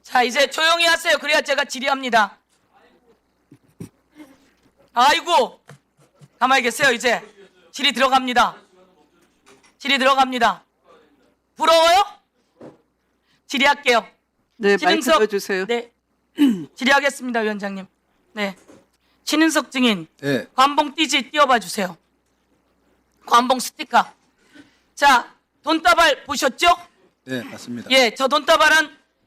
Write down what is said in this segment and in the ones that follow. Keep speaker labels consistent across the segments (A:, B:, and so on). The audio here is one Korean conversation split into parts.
A: 자, 이제 조용히 하세요. 그래야 제가 질의합니다. 아이고, 가만히 계세요. 이제 질의 들어갑니다. 질의 들어갑니다. 부러워요? 질의할게요.
B: 네, 마이크
A: 신은석,
B: 들어주세요.
A: 네, 질의하겠습니다, 위원장님. 네, 신은석 증인,
C: 네,
A: 관봉 띠지 띄워봐 주세요. 관봉 스티커. 자, 돈다발 보셨죠?
C: 네, 맞습니다.
A: 예, 저 돈다발은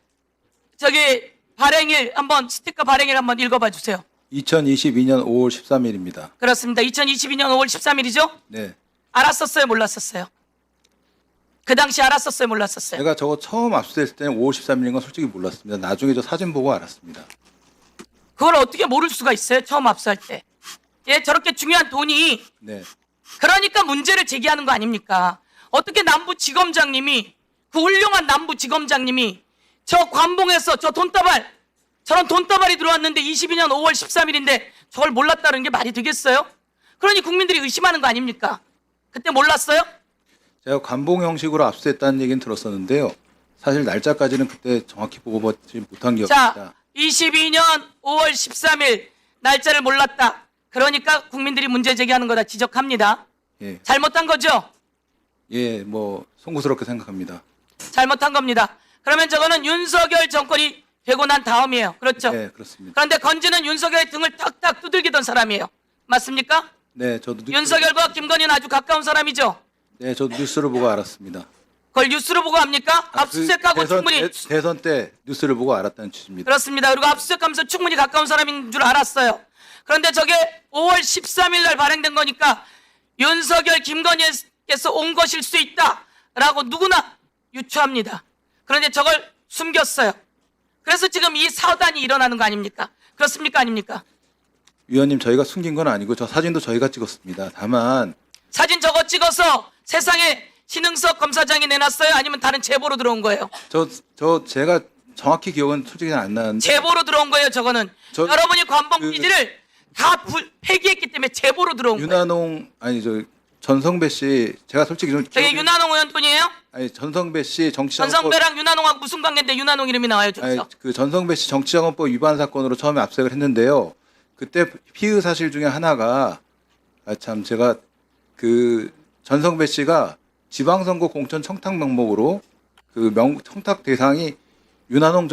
A: 저기 발행일 한번 스티커 발행일 한번 읽어봐 주세요.
C: 2022년 5월 13일입니다.
A: 그렇습니다. 2022년 5월 13일이죠?
C: 네,
A: 알았었어요, 몰랐었어요? 그 당시 알았었어요, 몰랐었어요?
C: 제가 저거 처음 압수됐을 때는 5월 13일인 건 솔직히 몰랐습니다. 나중에 저 사진 보고 알았습니다.
A: 그걸 어떻게 모를 수가 있어요? 처음 압수할 때. 예, 저렇게 중요한 돈이
C: 네,
A: 그러니까 문제를 제기하는 거 아닙니까? 어떻게 남부지검장님이 그 훌륭한 남부지검장님이 저 관봉에서 저 돈다발 저런 돈다발이 들어왔는데 22년 5월 13일인데 저걸 몰랐다는 게 말이 되겠어요? 그러니 국민들이 의심하는 거 아닙니까? 그때 몰랐어요?
C: 제가 관봉 형식으로 압수했다는 얘기는 들었었는데요. 사실 날짜까지는 그때 정확히 보고 보지 못한 게
A: 자,
C: 없습니다.
A: 22년 5월 13일 날짜를 몰랐다. 그러니까 국민들이 문제 제기하는 거다 지적합니다.
C: 예,
A: 잘못한 거죠?
C: 예, 뭐 송구스럽게 생각합니다.
A: 잘못한 겁니다. 그러면 저거는 윤석열 정권이 되고 난 다음이에요. 그렇죠?
C: 네, 그렇습니다.
A: 그런데 건지는 윤석열의 등을 탁탁 두들기던 사람이에요. 맞습니까?
C: 네, 저도
A: 윤석열과 김건희는 아주 가까운 사람이죠.
C: 네, 저도 뉴스를 보고 알았습니다.
A: 그걸 뉴스로 보고 합니까? 압수수색하고
C: 대선,
A: 충분히
C: 대선 때 뉴스를 보고 알았다는 취지입니다.
A: 그렇습니다. 그리고 압수수색하면서 충분히 가까운 사람인 줄 알았어요. 그런데 저게 5월 13일 날 발행된 거니까 윤석열, 김건희께서 온 것일 수 있다라고 누구나 유추합니다. 그런데 저걸 숨겼어요. 그래서 지금 이 사단이 일어나는 거 아닙니까? 그렇습니까? 아닙니까?
C: 위원님, 저희가 숨긴 건 아니고 저 사진도 저희가 찍었습니다. 다만
A: 사진 저거 찍어서 세상에 신흥석 검사장이 내놨어요? 아니면 다른 제보로 들어온 거예요?
C: 제가 정확히 기억은 솔직히 안 나는데
A: 제보로 들어온 거예요, 저거는.
C: 저-
A: 여러분이 관봉
C: 그-
A: 기지를 다 폐기했기 때문에 제보로 들어온 거예요.
C: 윤한홍 아니 저 전성배 씨 제가 솔직히 좀
A: 저게
C: 기억이-
A: 윤한홍 의원 돈이에요?
C: 아니 전성배 씨 정치자금법
A: 전성배랑 윤한홍하고 무슨 관계인데 윤한홍 이름이 나와요,
C: 아니
A: 저기서.
C: 그 전성배 씨 정치자금법 위반 사건으로 처음에 압수를 했는데요. 그때 피의 사실 중에 하나가 참 제가 그 전성배 씨가 지방선거 공천 청탁 명목으로 그 청탁 대상이 윤한홍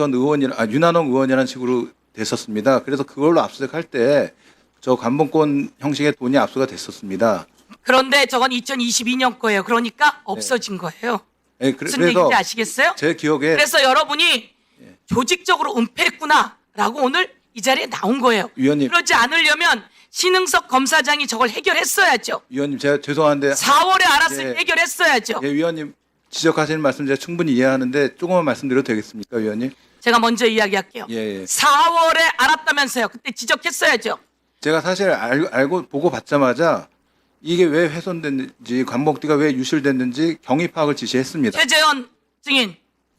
C: 의원이라는 식으로 됐었습니다. 그래서 그걸로 압수수색할 때 저 관봉권 형식의 돈이 압수가 됐었습니다.
A: 그런데 저건 2022년 거예요. 그러니까 없어진 거예요.
C: 예,
A: 무슨
C: 그래서
A: 얘기인지 아시겠어요?
C: 제 기억에
A: 그래서 여러분이 조직적으로 은폐했구나라고 오늘 이 자리에 나온 거예요.
C: 위원님.
A: 그러지 않으려면 신흥석 검사장이 저걸 해결했어야죠.
C: 위원님 제가 죄송한데
A: 4월에 알았을
C: 예.
A: 때 해결했어야죠.
C: 예, 위원님 지적하시는 말씀 제가 충분히 이해하는데 조금만 말씀드려도 되겠습니까, 위원님?
A: 제가 먼저 이야기할게요.
C: 예.
A: 4월에 알았다면서요. 그때 지적했어야죠.
C: 제가 사실 알고 보고 받자마자 이게 왜 훼손됐는지 관봉띠가 왜 유실됐는지 경위 파악을 지시했습니다.
A: 최재현 증인,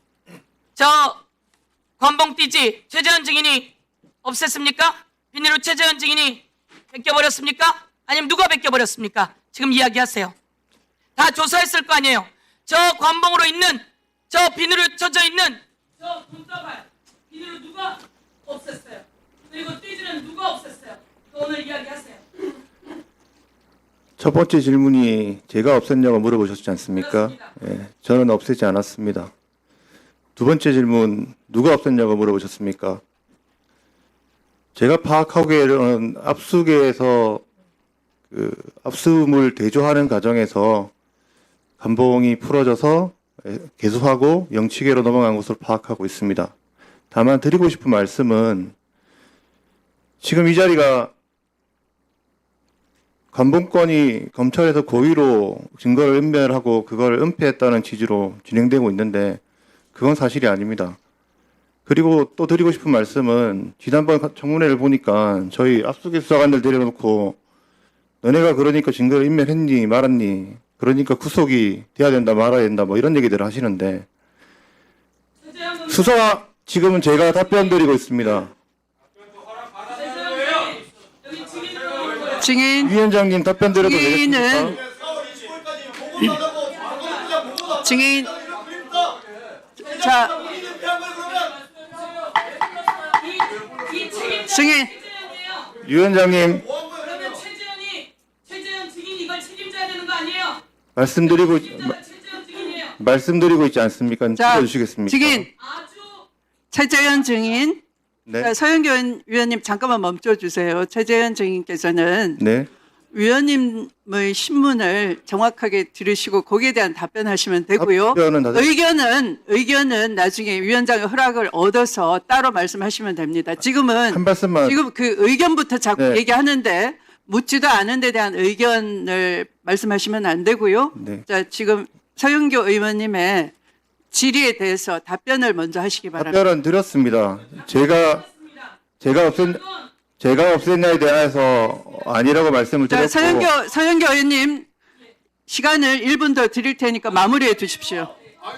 A: 저 관봉띠지 최재현 증인이 없앴습니까? 비닐로 최재현 증인이 벗겨버렸습니까? 아니면 누가 벗겨버렸습니까? 지금 이야기하세요. 다 조사했을 거 아니에요. 저 관봉으로 있는 저 비닐로 쳐져 있는 저 돈다발 비닐로 누가 없앴어요? 그리고 띠지는 누가 없앴어요? 오늘 이야기하세요.
D: 첫 번째 질문이 제가 없앴냐고 물어보셨지 않습니까?
A: 그렇습니다.
D: 예, 저는 없애지 않았습니다. 두 번째 질문 누가 없앴냐고 물어보셨습니까? 제가 파악하기에는 압수계에서 그 압수물 대조하는 과정에서 관봉이 풀어져서 개수하고 영치계로 넘어간 것으로 파악하고 있습니다. 다만 드리고 싶은 말씀은 지금 이 자리가 관봉권이 검찰에서 고의로 증거를 은멸하고 그걸 은폐했다는 취지로 진행되고 있는데 그건 사실이 아닙니다. 그리고 또 드리고 싶은 말씀은 지난번 청문회를 보니까 저희 압수수색 수사관들 데려놓고 너네가 그러니까 증거를 인멸했니 말았니 그러니까 구속이 돼야 된다 말아야 된다 뭐 이런 얘기들을 하시는데 수사 지금은 제가 답변 드리고 있습니다.
B: 증인,
D: 위원장님 답변 드려도
B: 증인은
D: 되겠습니까?
B: 증인 자 승인.
A: 최재현이에요.
D: 위원장님
A: 그러면 최재현 증인이 이걸 책임져야 되는 거 아니에요?
D: 말씀드리고
A: 책임자가 최재현 증인이에요.
D: 말씀드리고 있지 않습니까?
B: 자,
D: 들어주시겠습니까?
B: 증인
A: 아주
B: 최재현 증인.
D: 네.
B: 서영교 위원님 잠깐만 멈춰 주세요. 최재현 증인께서는
D: 네.
B: 위원님의 신문을 정확하게 들으시고 거기에 대한 답변하시면 되고요.
D: 답변은 다
B: 의견은 나중에 위원장의 허락을 얻어서 따로 말씀하시면 됩니다. 지금은
D: 한 말씀만
B: 지금 그 의견부터 자꾸
D: 네.
B: 얘기하는데 묻지도 않은 데 대한 의견을 말씀하시면 안 되고요.
D: 네.
B: 자, 지금 서영교 의원님의 질의에 대해서 답변을 먼저 하시기 바랍니다.
D: 답변은 드렸습니다. 제가 없앴냐에 대해서 아니라고 말씀을
B: 자,
D: 드렸고
B: 서영교 의원님 시간을 1분 더 드릴 테니까 마무리해 주십시오.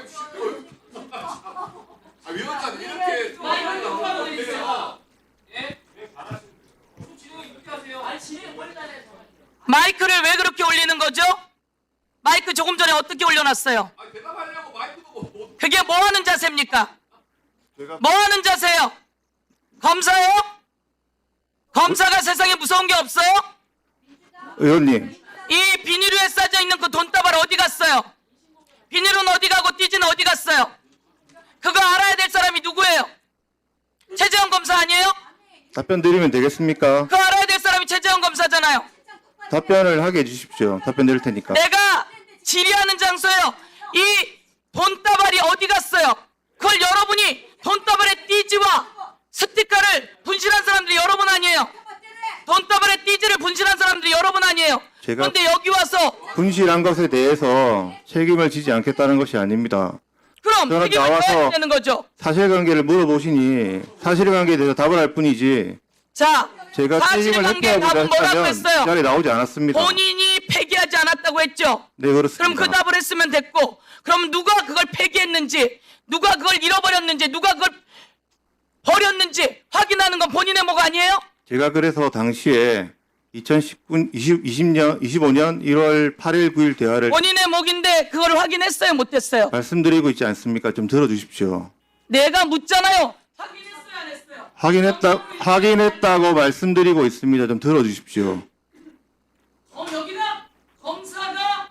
A: 마이크를 왜 그렇게 올리는 거죠? 마이크 조금 전에 어떻게 올려놨어요? 그게 뭐 하는 자세입니까? 뭐 하는 자세요? 검사요? 검사가 세상에 무서운 게 없어요?
D: 의원님
A: 이 비닐에 싸져 있는 그 돈다발 어디 갔어요? 비닐은 어디 가고 띠지는 어디 갔어요? 그거 알아야 될 사람이 누구예요? 최재형 검사 아니에요?
D: 답변 드리면 되겠습니까?
A: 그거 알아야 될 사람이 최재형 검사잖아요.
D: 답변을 하게 해주십시오. 답변 드릴 테니까.
A: 내가 질의하는 장소예요. 이 돈다발이 어디 갔어요? 그걸 여러분이 돈다발의 띠지와 스티커를 분실한 사람들이 여러분 아니에요? 돈다발의 띠지를 분실한 사람들이 여러분 아니에요?
D: 제가-
A: 그런데 여기 와서
D: 분실한 것에 대해서 책임을 지지 않겠다는 것이 아닙니다.
A: 그럼
D: 저는
A: 책임을
D: 나와서-
A: 져야 되는 거죠.
D: 사실관계를 물어보시니 사실관계에 대해서 답을 할 뿐이지
A: 자,
D: 제가 책임을
A: 사실관계
D: 회피하고자
A: 답은 뭐라고
D: 했다면 이
A: 했어요?
D: 자리에 나오지 않았습니다.
A: 본인이 폐기하지 않았다고 했죠.
D: 네, 그렇습니다.
A: 그럼 그 답을 했으면 됐고, 그럼 누가 그걸 폐기했는지, 누가 그걸 잃어버렸는지, 누가 그걸 버렸는지 확인하는 건 본인의 목 아니에요?
D: 제가 그래서 당시에 25년 1월 8일 9일 대화를
A: 본인의 목인데 그걸 확인했어요, 못했어요?
D: 말씀드리고 있지 않습니까? 좀 들어주십시오.
A: 내가 묻잖아요. 확인했어요, 안 했어요?
D: 확인했다고 말씀드리고 있습니다. 좀 들어주십시오.
A: 여기다 검사가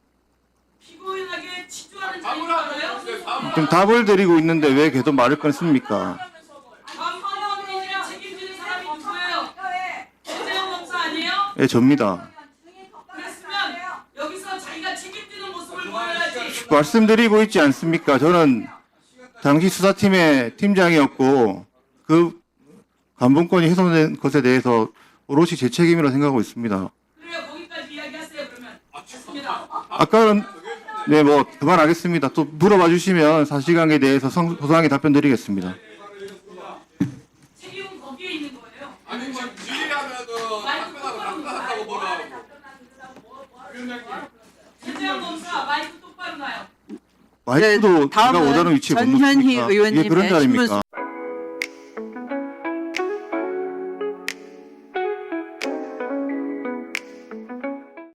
A: 피고인에게 치주하는 자리인 줄 알아요?
D: 좀 답을 드리고 있는데 왜 계속 말을 끊습니까?
A: 관방원이랑 책임지는 사람이 누구예요? 최재형 검사 아니에요?
D: 예, 접니다.
A: 그랬으면 여기서 자기가 책임지는 모습을 보여야지.
D: 말씀드리고 있지 않습니까? 저는 당시 수사팀의 팀장이었고 그 감봉권이 훼손된 것에 대해서 오롯이 제 책임이라고 생각하고 있습니다.
A: 그래요, 거기까지 이야기하세요, 그러면. 좋습니다.
D: 아까는 네, 뭐 그만하겠습니다. 또 물어봐 주시면 사실관계에 대해서 소상하게 답변 드리겠습니다.
A: 책임은 거기에 있는 거예요.
E: 아니 뭐 질의하면은 답변하고 답변한다고 뭐라
A: 최재형 검사 마이크 똑바로 놔요.
D: 마이크도 제가
B: 다음은
D: 오다는 위치에 못
B: 전현희
D: 놓습니까? 이게
B: 의원님의
D: 그런 자리입니까?
B: 신문